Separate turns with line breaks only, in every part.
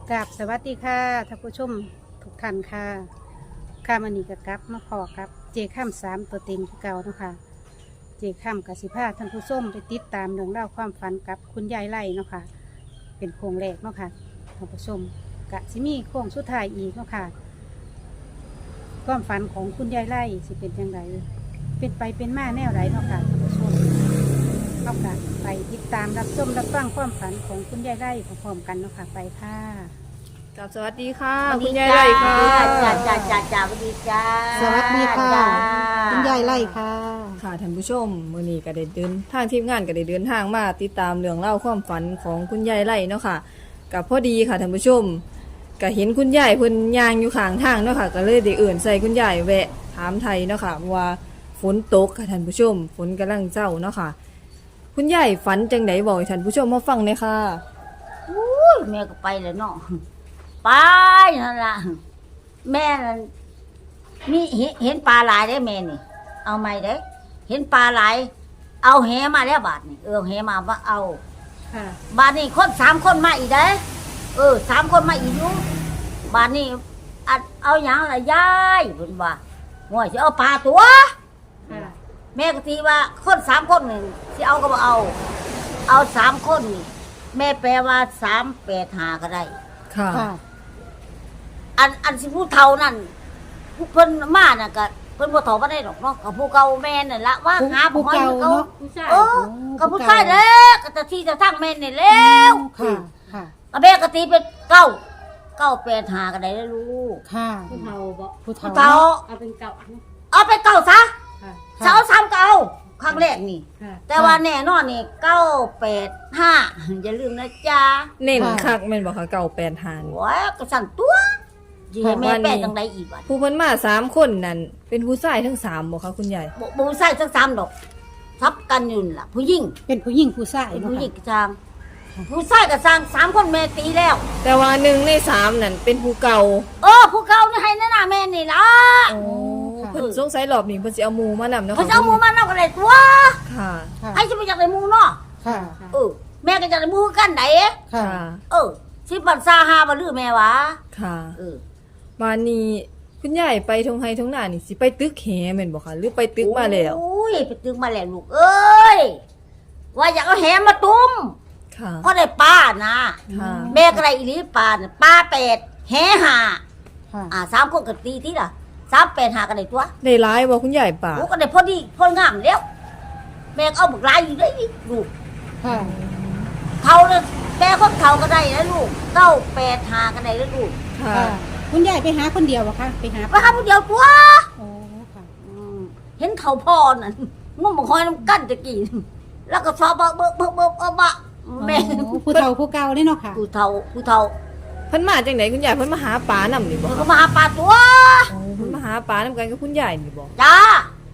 กราบสวัสดีค่ะท่านผู้ชมทุกท่านค่ะข้ามันนี่กับกับมาพอครับเจข้ามสามตัวเต็งคือเก่าเนาะค่ะเจข้ามกับสิพาท่านผู้ชมไปติดตามเรื่องเล่าวความฝันกับคุณยายไล่เนาะค่ะเป็นโครงแรกเนาะค่ะท่านผู้ชมกะสิมีโค้งสุดท้ายอีกเนาะค่ะความฝันของคุณยายไล่สิเป็นยังไงเป็นไปเป็นมาแนวไหนเนาะค่ะท่านผู้ชมเอาค่ะไปติดตามรับชมรับฟังความฝันของคุณยายไล่พร้อมๆกันเนาะค่ะไปค่ะ
กับสวัสดีค่ะ
สวัส
คุ
ดี
ณยายไร่ค่ะ
จ้าสวัสดีจ้า
สวัสดีค่ะ
จ้า
คุณยายไล่ค่ะ
ค่ะท่านผู้ชมมื้อนี้ก็ได้เดินทางทีมงานก็ได้เดินทางมาติดตามเรื่องเล่าวความฝันของคุณยายไร่เนาะค่ะกับพอดีค่ะท่านผู้ชมก็เห็นคุณยายเพิ่นย่างอยู่ข้างทางเนาะค่ะก็เลยได้เอื่นใส่คุณยายแวะถามไทยเนาะค่ะว่าฝนตกค่ะท่านผู้ชมฝนกำลังเจ้าเนาะค่ะคุณยายฝันจังไดบอกให้ท่านผู้ชมมาฟังหน่อยค่ะ
อุ้ยแม่ก็ไปแล้วเนาะไปนั่นล่ะแม่นั่นมีเห็นปลาหลายได้แม่นี่ เอาไหมได้เห็นปลาหลายเอาแหมาแล้วบาทนี่แหมาว่าเอา
ค่ะ
บาทนี่คน3 คนมาอีกได้3 คนมาอีกอยู่บาทนี่อัดเอาอย่างละยายเพิ่นว่าห่วยสิเอาปลาตัว
ค่ะ
แม่ก็ตีว่าคน3 คนนี่สิเอาก็บ่เอา3 คนนี่แม่แปลว่า385ก็ได้
ค่ะ
ค่ะ
อันสิผู้เฒ่านั่นผู้เพิ่นมาน่ะก็เพิ่นบ่เฒ่าบ่ได้ดอกเนาะก็ผู้เก่าแม่นั่นละว่าหา
ผู้
บ่
เก่า
เก่า
เนาะ
เออก็ผู้ชายแหล้วก็จะที่จะทั้งแม่นี่แล้ว
ค่ะ ค่ะ
ก็แม่ก็ตีเป็น985ก็ได้แล้วลูก
ค่ะ
ผู้เฒ่าบ่
ผู้
ผู้
เฒ่า
เฒ่า
เอาเป็นเก่า
เอาไปเก่าซะ
ค่ะ
เสา3เก่าครั้งแรกนี่
ค่ะ
แต่ว่าแน่นอนนี่985อย่าลืมนะจ๊ะ
เน้นคักแม่นบ่ค่ะเก่า8หาน
โอ้ยก็สั่นตัวสิให้แม่แปลจังไดอีกบัด
ผู้เพิ่นมา3คนนั่นเป็นผู้ชายทั้ง3บ่คะคุณยาย
บ่ใส่ทั้ง3ดอกทับกันอยู่นั่นล่ะผู้หญิง
เป็นผู้หญิงผู้ชาย
เป็น
เนาะ
ผู้หญิง
ค่ะ
กระจางผู้ชายกระจาง3 คนแม่ตีแล้ว
แต่ว่า1ใน3นั่นเป็นผู้เก่า
ผู้เก่านี่ให้แน่แม่นี่ล่ะ
โอ้เพิ่นสงสัยรอบนี้เพิ่นสิเอาหมู่มานำเนาะ
เพราะเอาหมูมานำกันเลยตัว
ค่ะ
ค่ะ
ให้จะไปจากไหนหมูเนาะ
ค่ะ
แม่ก็จากไหนหมูกันไหน
ค่ะ
ค่ะ
สิบันซาฮาบ่ลือแม่วะ
ค่ะ
เออ
บ้านนี้คุณยายไปทงไห้ทงหน้านี่สิไปตึกแหแม่นบ่คะหรือไปตึกมาแล้ว
อุ้ยไปตึกมาแล้วลูกเอ้ยว่าอยากเอาแหมาตุ้ม
ค่ะ
เพราะได้ปลานะ
ค่ะ
แม่ก็ได้อีหลีปลาน่ะปลา8แหห่า
ค่ะ
3 คนก็ตีที่ล่ะ385กันได้ตัว
ได้หลายบ่คุณยายป่า
ลูกก็ได้พอดีพองามแล้วแม่ก็เอาบักลายอยู่ได้นี่ลูก
ค่ะ
เขาเลยแม่คนเขาก็ได้นะลูก985ก็ได้แล้วลูก
ค่ะ
ค่ะ คุณยายไปหาคนเดียวเหรอคะไปหา
ไปหาผู้เดียวตัว
โอ้ค่ะ
เห็นเขาพ่อนั่นงมบักหอยน้ำกั้นตะกี้แล้วก็ชอบเบิกแม่
โอ้ผู้เฒ่าผู้เก่าเลยเนาะค่ะ
ผู้เฒ่า
เพิ่นมาจังไดคุณยายเพิ่นมาหาปลานำนี่บ่
มันก็มาหาปลาตัว
โอ้เพิ่นมาหาปลานำกันกับคุณยายนี่บ่
จ้า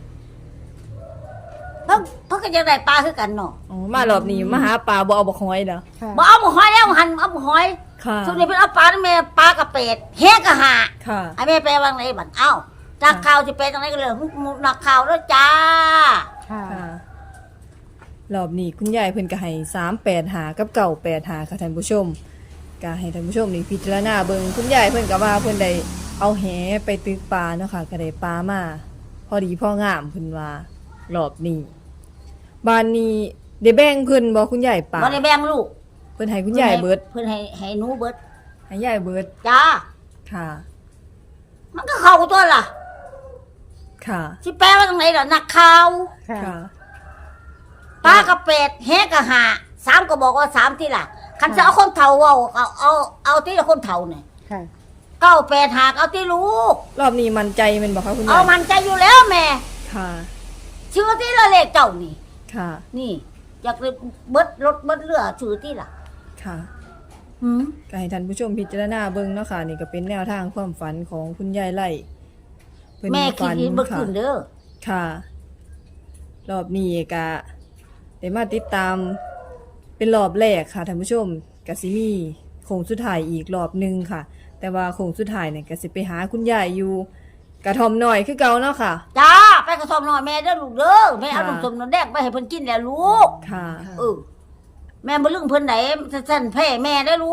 เพิ่งก็ยังได้ปลาคือกันเนาะ
อ๋อมารอบนี้มาหาปลาบ่เอาบ่หอยเหรอ
ค่ะ
บ่เอาบักหอยแล้วหันเอาบักหอย
ค่ะ
ส่วนนี้เป็นเอาปลาแม่ปลากระเป็ดแห้กระหา
ค่ะ
ไอ้แม่แปลว่าไงบัดเอ้าจากข่าวจะเป็นจังไดก็เลยนักข่าวแล้วจ้า
ค่ะ
ค่ะรอบนี้คุณยายเพิ่นก็ให้385กับ985ค่ะท่านผู้ชมก็ให้ท่านผู้ชมนี่พิจารณาเบิ่งคุณยายเพิ่นก็ว่าเพิ่นได้เอาแหไปตึกปลาเนาะค่ะก็ได้ปลามาพอดีพองามเพิ่นว่ารอบนี้บ้านนี้ได้แบ่งเพิ่นบ่คุณยายปลา
บ่ได้แบ่งลูก
เพิ่นให้คุณยายเบิด
เพิ่นให้หนูเบิด
ให้ยายเบิด
จ้า
ค่ะ
มันก็เข้าตัวล่ะ
ค่ะ
สิแปลว่าตรงไหนล่ะนักข่าว
ค่ะ
ค่ะ
ปลากระเป็ดแหกระหา3ก็บอกว่า3ที่ล่ะคันจะเอาคนเฒ่าเอาที่ละคนเฒ่าเนี่ย
ค่ะ
985เอาที่ลูก
รอบนี้มั่นใจแม่นบ่คะคุณ
เอา
ยาย
มันใจอยู่แล้วแม่
ค่ะ
ชื่อที่ละเลขเจ้านี่
ค่ะ
นี่อยากเลยเบิดรถเบิดเรือชื่อที่ล่ะ
ค่ะ
หืม
ก็ให้ท่านผู้ชมพิจารณาเบิ่งเนาะค่ะนี่ก็เป็นแนวทางความฝันของคุณยายไล่เพิ่น
แม่คิด
ฝัน
ดีเบิด
ค่ะ
ขึ้นเด้อ
ค่ะ รอบนี้ก็ได้มาติดตามเป็นรอบแรกค่ะท่านผู้ชมก็สิมีโค้งสุดท้ายอีกรอบหนึงค่ะ แต่ว่าโค้งสุดท้ายเนี่ยก็สิไปหาคุณยายอยู่กระท่อมน้อยคือเก่าเนาะค่ะ
จ้าไปกระสอบหน่อยแม่เด้อลูกเด้อแม่เอา
ค่ะ
ลูกสมนแดกไปให้เพิ่นกินแล้วลูก
ค่ะ
แม่บ่ลืมเพิ่นไหนสั่นแพ่แม่ได้อลูก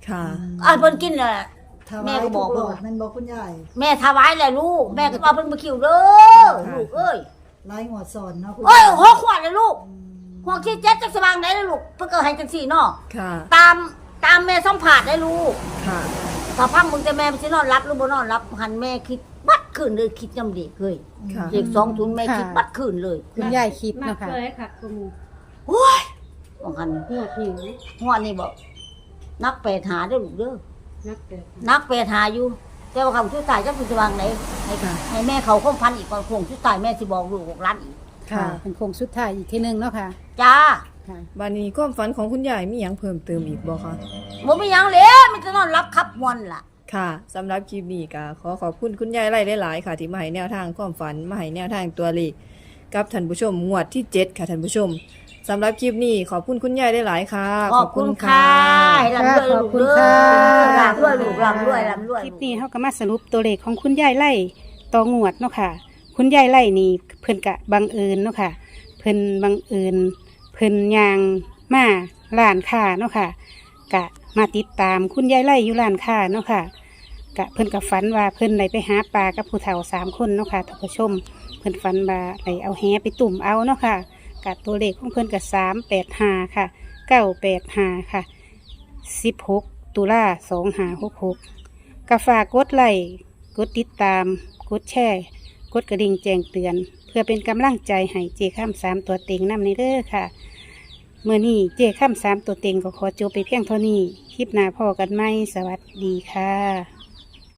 ค่ะ
เพิ่นกินน่ะ แม่
แม่
ก็
ก็
บบ อ
อก ก
ลู
ลู
ก
กมันบอกคุณยาย
แม่ถวายแหละลูกแม่ก็ว่าเพิ่นบ่คิวเด้อลูกเอ้ย
ไล่หัวสอนเนาะคุณ
โอ้ย
ยาย
หกขวดเลยลูกหัวขี้เจ็ดจักสว่างได้เลยลูกเพิ่นก็ให้จังซี่เนาะ
ค่ะ
ตามแม่สัมผัสได้ลูก
ค่ะ
ถ้าพังมึงแต่แม่มันสินอนรับหรือบ่นอนรับหันแม่คิดบัดคืนเลยคิดยำเด็กเลย
ค่ะ
เด็ก20แม่คิดบัดคืนเลย
คุณยายคิดเนาะค่ะ
เลยค่ะคุณหมู
โอ้ยว่าหัน
หัวหิว
หัวนี่บอกนักแปดหาเด้อลูกเด้อ
นักเกิด
นักแปดหาอยู่ แต่ว่าคำชุดตายจักสิสว่างไหนให้แม่เขาคงพันอีกก่อนคงชุดตายแม่สิบอกลูก6 ล้านอีก
ค่ะ เป็นโครงสุดท้ายอีกทีหนึงเนาะค่ะ
จ้า
ค่ะ
บัดนี้ความฝันของคุณยายมีหยังเพิ่มเติมอีกบ่คะ
บ่มีหยังเลยมันจะนอนรับขับมวนล่ะ
ค่ะสำหรับคลิปนี้ก็ขอบคุณคุณยายไล่หลายๆค่ะ ที่มาให้แนวทางความฝันมาให้แนวทางตัวเลขกับท่านผู้ชมงวดที่ 7 ค่ะท่านผู้ชมสำหรับคลิปนี้ขอบคุณคุณยายหลายๆค่ะ
ขอบคุณค่ะให้ร่ำรวยลูกเด้อร่ำรวยลูกร่ำรวยร่ำรวย
คลิปนี้เขาก็มาสรุปตัวเลขของคุณยายไล่ต่องวดเนาะค่ะ คุณยายไล่นี่เพิ่นกะบังเอิญเนาะค่ะ เพิ่นบังเอิญเพิ่นยางมาร้านค้าเนาะค่ะ กะมาติดตามคุณยายไล่อยู่ร้านค้าเนาะค่ะ กะเพิ่นกับฝันว่าเพิ่นได้ไปหาปลากับผู้เฒ่า3 คนเนาะค่ะท่านผู้ชม เพิ่นฝันว่าได้เอาแหไปตุ่มเอาเนาะค่ะกะตัวเลขของเพิ่นกะ385ค่ะ985ค่ะ16 ตุลา2566กะฝากกดไลค์กดติดตามกดแชร์กดกระดิ่งแจ้งเตือน เพื่อเป็นกำลังใจให้เจข้าม3ตัวเต็งนำในเด้อค่ะเมื่อนี้เจข้าม3ตัวเต็งก็ขอจบไปเพียงเท่านี้คลิปหน้าพอกันไหมสวัสดีค่ะ